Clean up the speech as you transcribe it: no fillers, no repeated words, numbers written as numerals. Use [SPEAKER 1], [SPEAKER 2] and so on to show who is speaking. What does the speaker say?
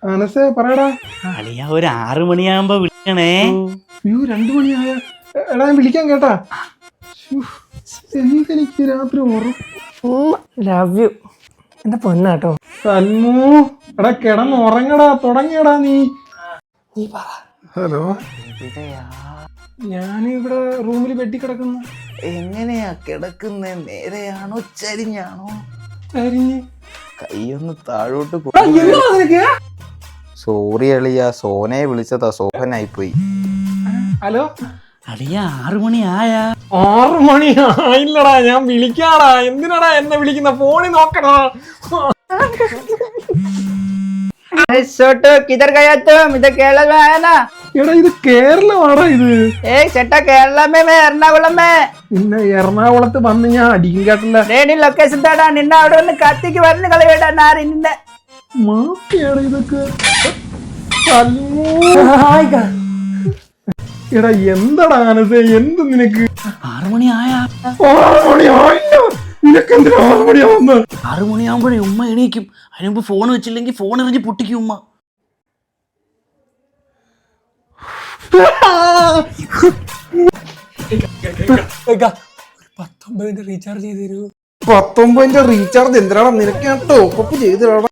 [SPEAKER 1] അനസേ പറയടാ.
[SPEAKER 2] അളിയ ഒരു 6 മണിയാകുമ്പോ വിളിക്കണേ.
[SPEAKER 1] 2 മണിയായ എടാ ഞാൻ വിളിക്കാൻ കേട്ടാ. എനിക്ക് രാത്രി
[SPEAKER 3] ലവ് യു എന്റെ പൊന്നാട്ടോ.
[SPEAKER 1] സൽമു എടാ കിടന്ന് ഉറങ്ങടാ, തുടങ്ങിയടാ നീ. ഹലോ, ഞാനിവിടെ റൂമിൽ വെട്ടി കിടക്കുന്നു.
[SPEAKER 2] എങ്ങനെയാ കിടക്കുന്നേ? നേരെയാണോ ചരിഞ്ഞാണോ?
[SPEAKER 1] ചരിഞ്ഞ്.
[SPEAKER 2] കൈയൊന്ന് താഴോട്ട്
[SPEAKER 1] നിനക്ക്?
[SPEAKER 2] സോറി അളിയ, സോനയെ വിളിച്ചതാ, സോഹനായി പോയി.
[SPEAKER 1] ഹലോ
[SPEAKER 2] അളിയ 6 മണി ആയാ?
[SPEAKER 1] 6 മണി ആയില്ലടാ, ഞാൻ വിളിക്കാടാ. എന്തിനാടാ എന്നെ വിളിക്കുന്ന? ഫോണിൽ നോക്കടാ.
[SPEAKER 3] किधर गया तुम? इधर केरला में आया ना?
[SPEAKER 1] എടാ ഇത് കേരളമാടാ ഇത്.
[SPEAKER 3] सेटा केरला में, मैं एर्नाकुलम में.
[SPEAKER 1] പിന്നെ എറണാകുളത്ത് വന്ന് ഞാൻ അടിക്കും കേട്ടല്ല.
[SPEAKER 3] ലൊക്കേഷൻ താടാ, നിന്നെ അവിടെ ഒന്ന് കത്തിക്ക് വരണം കളയടാ നാരി നിന്നെ.
[SPEAKER 1] മാഫിയാടാ ഇതൊക്കെ. എടാ എന്താടാ ആനസേ, എന്ത് നിനക്ക്?
[SPEAKER 2] 6 മണി ആയാ?
[SPEAKER 1] 6 മണി ആയില്ല. നിനക്ക് എന്തിനാ 6 മണിയാവുന്നത്?
[SPEAKER 2] 6 മണിയാകുമ്പോഴേ ഉമ്മ എണീക്കും. അതിനുമ്പ് ഫോൺ വെച്ചില്ലെങ്കിൽ ഫോൺ എറിഞ്ഞ് പൊട്ടിക്കും ഉമ്മ.
[SPEAKER 3] 19 റീചാർജ് ചെയ്ത് തരൂ.
[SPEAKER 1] 19 റീചാർജ് എന്തിനാടാ? നിനക്ക് ഞാൻ ടോപ്പ് ചെയ്തിടാ.